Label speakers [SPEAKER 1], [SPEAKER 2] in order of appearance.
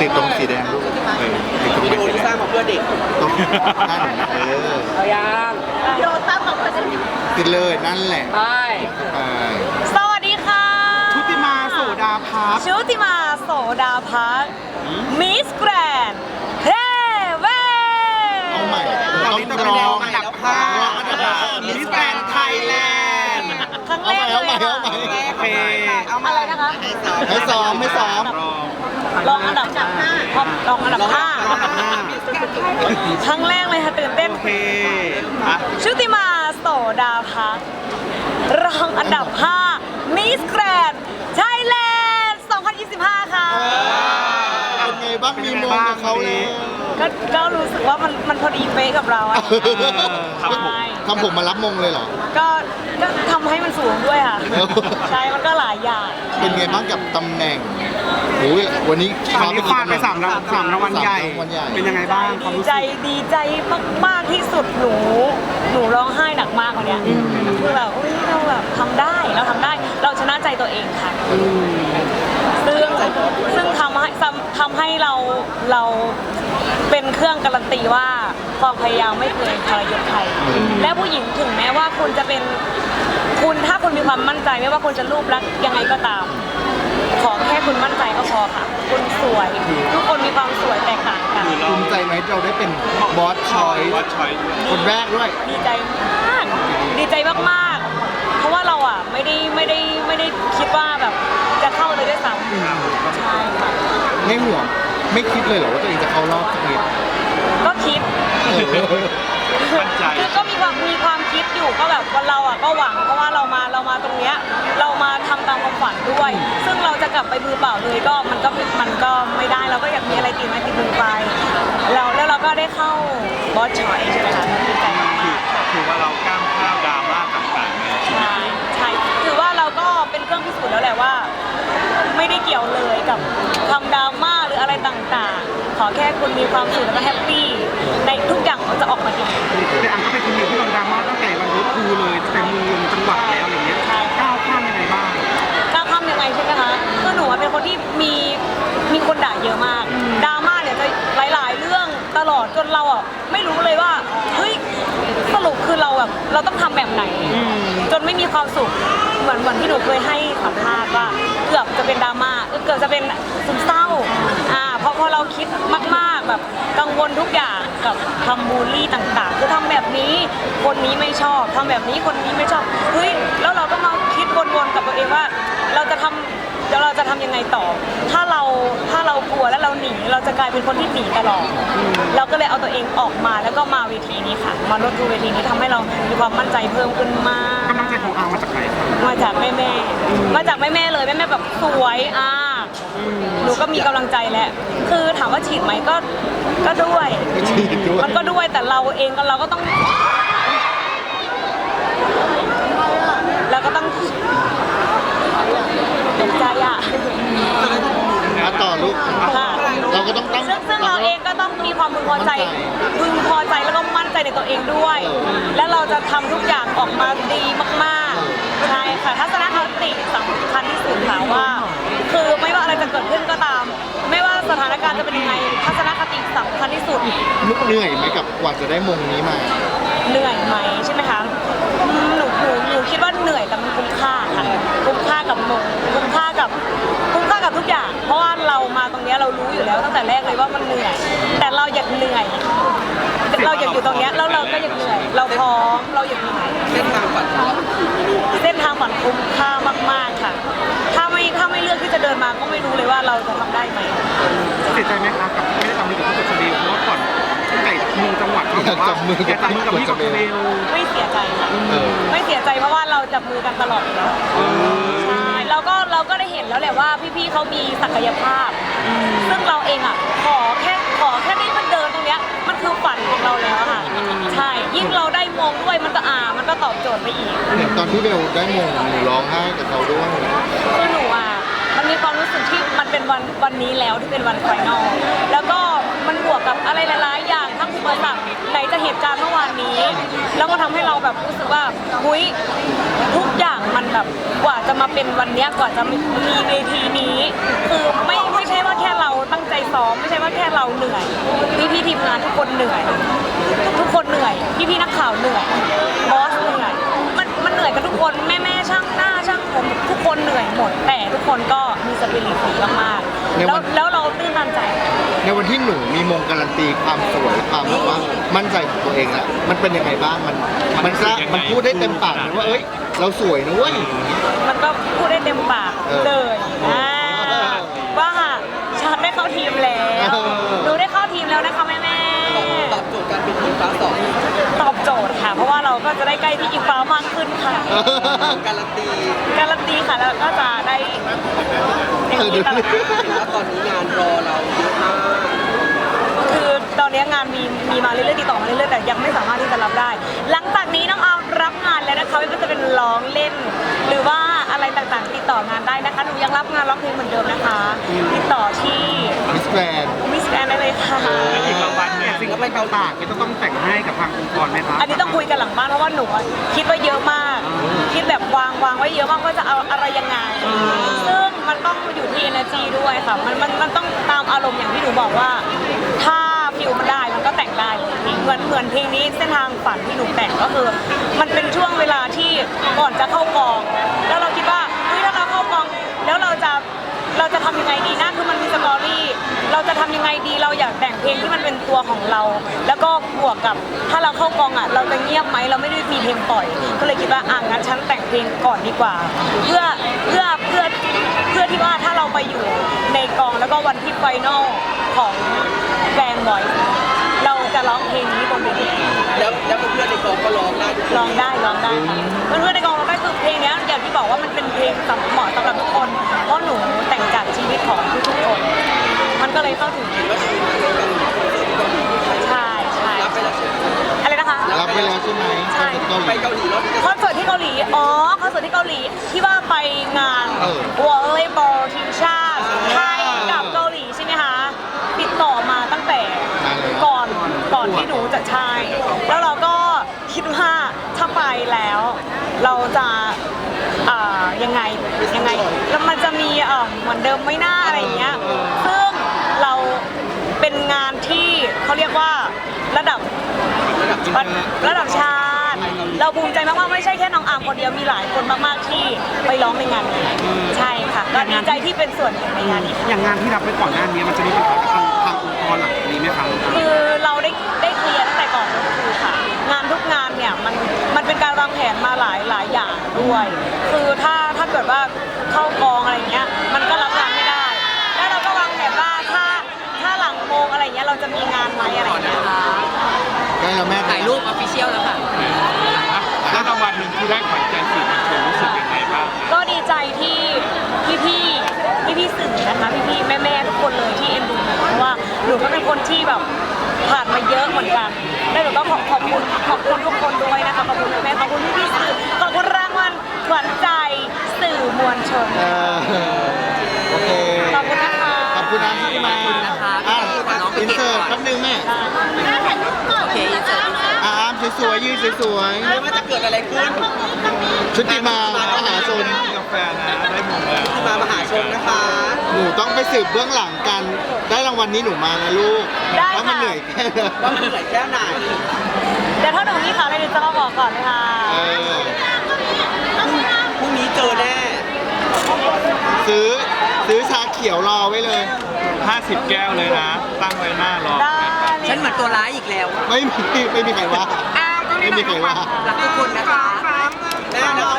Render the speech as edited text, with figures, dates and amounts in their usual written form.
[SPEAKER 1] ติดตรงสีแดงลูกติดตรง
[SPEAKER 2] วิดีโอที่สร้างมาเพื่อเด็ก
[SPEAKER 1] ตรงนั่น
[SPEAKER 2] เอายังวิดีโอสร้างมาเพื่อเด็ก
[SPEAKER 1] ติดเลยนั่นแหละ
[SPEAKER 2] ไป
[SPEAKER 3] สวัสดีค่ะ
[SPEAKER 2] ชุติมาโสดาพัก
[SPEAKER 3] ชุติมาโสดาพักมิสแกรนด์เฮเว
[SPEAKER 1] เอาใหม่
[SPEAKER 2] เรา
[SPEAKER 1] ต้อง
[SPEAKER 2] จะ
[SPEAKER 1] ร้
[SPEAKER 2] เป็นแน
[SPEAKER 1] อ
[SPEAKER 2] ว
[SPEAKER 1] ง
[SPEAKER 2] อันดับ5มิสแกรนด์ไทยแลนด์
[SPEAKER 3] ครั้งแรกเลยค่ะ
[SPEAKER 2] โอเคเอามา
[SPEAKER 3] อะไรนะคะ
[SPEAKER 1] ให้ซ้อมให้ซ้อม
[SPEAKER 3] ลองอันดับ5ลองอันดับ5ครั้งแรกเลยค่ะตื่นเต้น
[SPEAKER 2] โอเค
[SPEAKER 3] ชุติมาโสดาพักรองอันดับ5มิสแกรนด์ไทยแลนด์2025 ค่ะ
[SPEAKER 1] เป็นไงบ้างมีมงกับเขาเลย
[SPEAKER 3] ก็รู้สึกว่ามันพอดีเป๊ะกับเราอะใช่
[SPEAKER 1] ทำผมมารับมงเลยเหรอ
[SPEAKER 3] ก็ทำให้มันสูงด้วยค่ะ ใช่ มันก็หลายอย่าง
[SPEAKER 1] เป็นไงบ้างกับตำแหน่งโอ้ยวันนี้
[SPEAKER 2] วันนี้ฟาดไป3รางวัลใหญ่ เป็นยังไงบ้างความ
[SPEAKER 3] ดี
[SPEAKER 2] รู้
[SPEAKER 3] ใจ
[SPEAKER 2] สึก
[SPEAKER 3] ดีใจมากๆที่สุดหนูร้องไห้หนักมากวันเนี้ยคือแบบอุ๊ยเราแบบทำได้เราทำได้เราชนะใจตัวเองค่ะซึ่งทำให้เราเป็นเครื่องการันตีว่าความพยายามไม่เคยทรยศใครและผู้หญิงถึงแม้ว่าคุณจะเป็นคุณถ้าคุณมีความมั่นใจไม่ว่าคุณจะรูปลักษณ์ยังไงก็ตาม ขอแค่คุณมั่นใจก็พอค่ะคุณสวยทุกคนมีความสวยแตกต่างกัน
[SPEAKER 1] ภูมิใจไหมเราได้เป็นบอสชอยคนแรกด้วย
[SPEAKER 3] ดีใจมากดีใจมากๆเพราะว่าเราอ่ะไม่ได้คิดว่าแบบจะเข้าเลยด้วยซ้ำใช่ค่ะ
[SPEAKER 1] ไม่ห่วงไม่คิดเลยเหรอว่าตัวเองจะเข้ารอบสักนิด
[SPEAKER 3] ก็คิด
[SPEAKER 1] มั่นใจ
[SPEAKER 3] คือก็มีความคิดอยู่ก็แบบว่าเราอ่ะก็หวังเพราะว่าเรามาตรงเนี้ยเรามาทำตามความฝันด้วย ซึ่งเราจะกลับไปมือเปล่าเลยก็มันก็ไม่ได้เราก็อยากมีอะไรติดไม้ติดมือไปแล้วเราก็ได้เข้าบอสชอยใช่ไหมคะดีใจมากๆ
[SPEAKER 4] ถือว่าเราก้ามข้าวดราม่าต่างๆในชีวิต
[SPEAKER 3] ใช่ถือว่าเราก็เป็นเครื่องพิสูจน์แล้วแหละว่า ไม่ได้เกี่ยวเลยกับคำดราม่าหรืออะไรต่างๆ ขอแค่คุณมีความสุขแล้วก็แฮปปี้ในทุกอย่างมันจะออกมาดี
[SPEAKER 2] แต่อันก็เป็นคนหนึ่งที่โดนดราม่าตั้งแต่วันรู้ครูเลยแต่มือจังหวัดแล้วอย่างเงี้ยก้าวข้ามยังไงบ้าง
[SPEAKER 3] ก้าวข้ามยังไงใช่ไหมคะคือหนูเป็นคนที่มีคนด่าเยอะมากดราม่าเนี่ยจะหลายๆเรื่องตลอดจนเราอ่ะไม่รู้เลยว่าเฮ้ยสรุปคือเราแบบเราต้องทำแบบไหน จนไม่มีความสุขเหมือนที่หนูเคยให้สัมภาษณ์ว่าเกือบจะเป็นดราม่าเกือบจะเป็นซึมเศร้าเพราะเราคิดมากๆแบบกังวลทุกอย่างกับคำบูลลี่ต่างๆคือทำแบบนี้คนนี้ไม่ชอบทำแบบนี้คนนี้ไม่ชอบเฮ้ยแล้วเราก็มาคิดวนๆกับตัวเองว่าเราจะทำยังไงต่อถ้าเรากลัวแล้วเราหนีเราจะกลายเป็นคนที่หนีตลอดเราก็เลยเอาตัวเองออกมาแล้วก็มาเวทีนี้ค่ะมาลดดูเวทีนี้ทำให้เรามีความมั่นใจเพิ่มขึ้นมาก
[SPEAKER 2] กำลังใจของอามาจากไหนครับ
[SPEAKER 3] มาจากแม่เลยแม่แบบสวยหนูก็มีกำลังใจแหละคือถามว่าฉีดไหมก็ด้วย
[SPEAKER 1] ฉีดด้วย
[SPEAKER 3] มันก็ด้วยแต่เราเองก็เราก็ต้องตกใจ
[SPEAKER 1] มาต่อลูก
[SPEAKER 3] ค่ะ
[SPEAKER 1] เราก็ต้องตั้ง
[SPEAKER 3] ซึ่งเราเองก็ต้องมีความพึงพอใจแล้วก็มั่นใจในตัวเองด้วย และเราจะทำทุกอย่างออกมาดีมากๆใช่ค่ะทัศนคติสำคัญที่สุดค่ะว่า คือไม่ว่าอะไรจะเกิดขึ้นก็ตาม ไม่ว่าสถานการณ์จะเป็นยังไงทัศนคติสำคัญที่สุด
[SPEAKER 1] เหนื่อยไหมกับกว่าจะได้มงนี้มา
[SPEAKER 3] เหนื่อยไหมใช่ไหมคะหนูคิดว่าเหนื่อยแต่มันคุ้มค่าค่ะคุ้มค่ากับมงคุ้มค่ากับทุกอย่าง เพราะว่าเรามาตรงนี้เรารู้อยู่แล้วตั้งแต่แรกเลยว่ามันเหนื่อย แต่เราอยากเหนื่อยเราอยากอยู่ตรงนี้แล้วเราก็อยากเหนื่อย เราพร้อมเราอยากเหนื่อยเส้นทางฝันคุ้มค่ามากๆค่ะถ้าไม่เลือกที่จะเดินมาก็ไม่รู้เลยว่าเราจะทำได้ไหม
[SPEAKER 2] เสียใจไหมครับกับไม่ได้ทำมือกับพี่กดสเบลเพราะว่าก่อนตั้งแต่มือจังหวัดเขาบอกว่าจับมือกับพี่กดสเบล
[SPEAKER 3] ไม่เสียใจค่ะไม่เสียใจเพราะว่าเราจับมือกันตลอดอยู่แล้วใช่เราก็ได้เห็นแล้วแหละว่าพี่ๆเขามีศักยภาพ ซึ่งเราเองอ่ะขอแค่ได้มันเดินตรงเนี้ยมันคือฝันของเราแล้วค่ะใช่ยิ่งเราได้มงด้วยมันก็ตอบโจทย์ไปอีก
[SPEAKER 1] อย่างตอนที่เบลได้มงหนูร้องไห้กับเขาด้วย
[SPEAKER 3] คือหนูอ่ะมันมีความรู้สึกที่มันเป็นวันนี้แล้วที่เป็นวันไฟนอลแล้วก็มันบวกกับอะไรหลายๆอย่างทั้งอุปสรรคไหนจะเหตุการณ์เมื่อวานนี้ แล้วก็ทำให้เราแบบรู้สึกว่าหุ้ยทุกอย่างมันแบบกว่าจะมาเป็นวันนี้กว่าจะมีเวทีนี้คือไม่ใช่ว่าแค่เราตั้งใจซ้อมไม่ใช่ว่าแค่เราเหนื่อยพี่ทีมงานทุกคนเหนื่อยทุกคนเหนื่อยพี่นักข่าวเหนื่อยบอสเหนื่อยมันเหนื่อยกันทุกคนแม่ช่างหน้าช่างผมทุกคนเหนื่อยหมดแต่ทุกคนก็มีสปิริตดีมากๆแล้วเราตื้นตันใจ
[SPEAKER 1] ในวันที่หนูมีมงการันตีความสวยความแบบว่ามั่นใจของตัวเองแล้วมันเป็นยังไงบ้างมันพูดได้เต็มปากเลยว่าเอ้ยเราสวยนะเว้ย
[SPEAKER 3] มันก็พูดได้เต็มปากเลยว่าฉันได้เข้าทีมแล้วหนูได้เข้าทีมแล้วนะคะแม่ตอบโจทย์การเป็นอิงฟ้า2ตอบโจทย์ค่ะเพราะว่าเราก็จะได้ใกล้พี่อิงฟ้ามากขึ้นค่ะการันตีค่ะแล้วก็จะได้อย่างนี้ตลอด
[SPEAKER 5] แล้วตอนนี้งานรอเราเยอะมาก
[SPEAKER 3] คือตอนนี้งานมีมาเรื่อยๆติดต่อมาเรื่อยๆแต่ยังไม่สามารถที่จะรับได้ หลังจากนี้น้องออมรับงานแล้วนะคะไม่ว่าจะเป็นร้องเล่น หรือว่าอะไรต่างๆติดต่องานได้นะคะหนูยังรับงานร้องเพลงเหมือนเดิมนะคะ ติดต่อที่
[SPEAKER 1] มิสแกรนด์
[SPEAKER 3] มิสแกรนได้เลยค่ะ
[SPEAKER 2] อีกรางวัลเนี่ยสิ่งที่ไปเกาตากจะต้องแต่งให้กับทางองค์กรไหมคะ
[SPEAKER 3] อันนี้ต้องคุยกันหลังบ้านเพราะว่าหนูคิดไว้เยอะมาก คิดแบบวางไว้เยอะมากว่าจะเอาอะไรยังไง ซึ่งมันต้องอยู่ที่ energy ด้วยค่ะมันต้องตามอารมณ์อย่างที่หนูบอกว่า ถ้าฟิลมันได้มันก็แต่งได้เหมือนเพลงนี้เส้นทางฝันที่หนูแต่งก็คือ มันเป็นช่วงเวลาที่ก่อนจะเข้ากอง แล้วเราคิดว่าเฮ้ยถ้าเราเข้ากองแล้วเราจะทำยังไงดีนะคือมันมีสตอรี่เราจะทำยังไงดีเราอยากแต่งเพลงที่มันเป็นตัวของเรา แล้วก็บวกกับถ้าเราเข้ากองเราจะเงียบไหมเราไม่ได้มีเพลงปล่อย ก็เลยคิดว่างั้นฉันแต่งเพลงก่อนดีกว่า เพื่อที่ว่าถ้าเราไปอยู่ในกองแล้วก็วันที่ไฟนอลของแฟนบอยเราจะร้องเพลงนี้บนเวที
[SPEAKER 5] แล้วเพื่อนๆในกองก็ร้องได้
[SPEAKER 3] ร้องได้ค่ะเพื่อนๆในกองร้องได้คือเพลงนี้อย่างที่บอกว่ามันเป็นเพลงเหมาะสำหรับทุกคนเพราะหนูแต่งจากชีวิตของทุกๆคนมันก็เลยเข้าถึงใช่
[SPEAKER 5] รับไปแล้วใช่ไหม
[SPEAKER 3] อะไรนะคะ
[SPEAKER 1] รับไปแล้วใช่ไหม
[SPEAKER 3] ใช่
[SPEAKER 5] ไปเกาหลีแล้ว
[SPEAKER 3] คอนเสิร์ตที่เกาหลีคอนเสิร์ตที่เกาหลีที่ว่าไปงานวอลเลย์บอลทีมชาติไทยกับเกาหลีใช่ไหมคะติดต่อมาตั้งแต่ก่อนที่หนูจะใช่แล้วเราก็คิดว่าถ้าไปแล้วเราจะยังไงแล้วมันจะมีเหมือนเดิมไม่น่าอะไรอย่างเงี้ยซึ่งเราเป็นงานที่เขาเรียกว่าระดับชาติเราภูมิใจมากๆไม่ใช่แค่น้องอาร์มคนเดียวมีหลายคนมากๆที่ไปร้องในงานนี้ใช่ค่ะก็ดีใจที่เป็นส่วนหนึ่งในงานนี้
[SPEAKER 2] อย่างงานที่รับไปก่อนหน้านี้มันจะมีปัญหากับทางองค์กรหลังนี้ไหมคะ
[SPEAKER 3] คือเราได้เคลียร์ตั้งแต่ก่อนก็คือค่ะงานทุกงานเนี่ยมันเป็นการวางแผนมาหลายอย่างด้วย คือถ้าเกิดว่าเข้ากองอะไรเงี้ยมันก็รับงานไม่ได้ แล้วเราก็วางแผนว่าถ้าหลังโมงอะไรเงี้ยเราจะมีงานไหมอะไรเงี้ย
[SPEAKER 1] ได้แล้วแม่
[SPEAKER 5] ถ่ายรูปออฟฟิเชียลแล้วค่ะ
[SPEAKER 4] แล้วรางวัลหนึ่งที่ได้ขวัญใจสื่อมวลชนรู้สึกยังไงบ้าง
[SPEAKER 3] ก็ดีใจที่พี่สื่อนะคะพี่แม่ทุกคนเลยที่เอ็นดูหนูเพราะว่าหนูก็เป็นคนที่แบบผ่านมาเยอะเหมือนกันแล้วหนูก็ขอบคุณทุกคนด้วยนะคะขอบคุณแม่ขอบคุณพี่สื่อขอบคุณรางวัลขวัญใจสื่อมวลชน
[SPEAKER 1] โอเค
[SPEAKER 3] ขอบคุณนะคะ
[SPEAKER 1] ขอบคุณนะที่มา
[SPEAKER 5] ขอบคุณนะคะ
[SPEAKER 1] อินเสิร์ตแป๊บนึงแม่
[SPEAKER 5] โอเคอินเสิร์ต
[SPEAKER 1] อาร์มสวยๆยืนสวย
[SPEAKER 5] ไม่ว่าจะเกิดอะไรขึ้น
[SPEAKER 1] ๆชุติมามหาชน
[SPEAKER 4] กาแฟนะได้มงแล้ว
[SPEAKER 5] มามหาชนนะคะ
[SPEAKER 1] หนูต้องไปสืบเบื้องหลังกัน ได้รางวัลนี้หนูมานะลูกว่ามันเหนื่อยแค่ไหน
[SPEAKER 5] ว่ามันเหนื่อยแค่ไหน
[SPEAKER 3] เดี๋ยวถ้าหนูมีข่าวอะไรเดี๋ยวจะมาบอกก่อนเลยค่ะ
[SPEAKER 5] พรุ่งนี้เจอแน่
[SPEAKER 1] ซื้อชาเขียวรอไว้เลย
[SPEAKER 4] 50 แก้วเลยนะ ตั้งไว้หน้ารอ
[SPEAKER 3] ได้
[SPEAKER 5] ฉันเหมือนตัวร้ายอีกแล้ว
[SPEAKER 1] ไม่มีใครว่า ไม่มีใครว่า
[SPEAKER 5] รักทุกคนนะคะแม่นะ